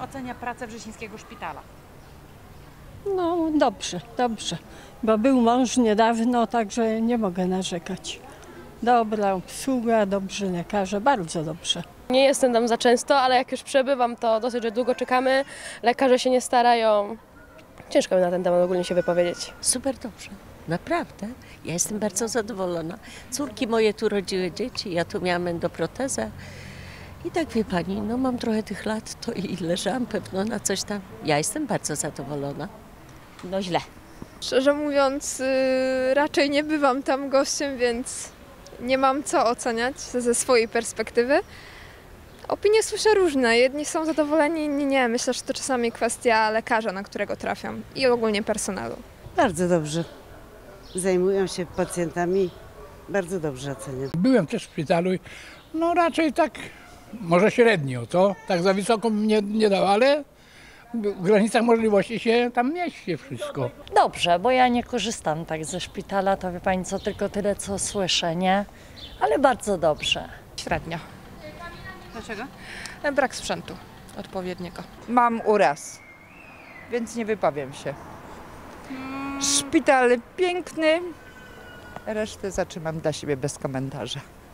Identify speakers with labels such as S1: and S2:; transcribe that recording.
S1: ocenia pracę Wrzesińskiego Szpitala?
S2: No dobrze, dobrze, bo był mąż niedawno, także nie mogę narzekać. Dobra obsługa, dobrzy lekarze, bardzo dobrze.
S3: Nie jestem tam za często, ale jak już przebywam, to dosyć, że długo czekamy. Lekarze się nie starają. Ciężko mi na ten temat ogólnie się wypowiedzieć.
S4: Super dobrze, naprawdę. Ja jestem bardzo zadowolona. Córki moje tu rodziły dzieci, ja tu miałam endoprotezę. I tak wie pani, no mam trochę tych lat, to i leżałam pewno na coś tam. Ja jestem bardzo zadowolona.
S1: No źle.
S5: Szczerze mówiąc, raczej nie bywam tam gościem, więc nie mam co oceniać ze swojej perspektywy. Opinie słyszę różne. Jedni są zadowoleni, inni nie. Myślę, że to czasami kwestia lekarza, na którego trafiam i ogólnie personelu.
S6: Bardzo dobrze. Zajmują się pacjentami. Bardzo dobrze oceniam.
S7: Byłem też w szpitalu, no raczej tak, może średnio, to tak za wysoko mnie nie dało, ale w granicach możliwości się tam mieści wszystko.
S8: Dobrze, bo ja nie korzystam tak ze szpitala, to wie pani co, tylko tyle co słyszę, nie? Ale bardzo dobrze.
S1: Średnio. Dlaczego?
S9: Brak sprzętu odpowiedniego.
S10: Mam uraz, więc nie wypowiem się. Szpital piękny, resztę zatrzymam dla siebie bez komentarza.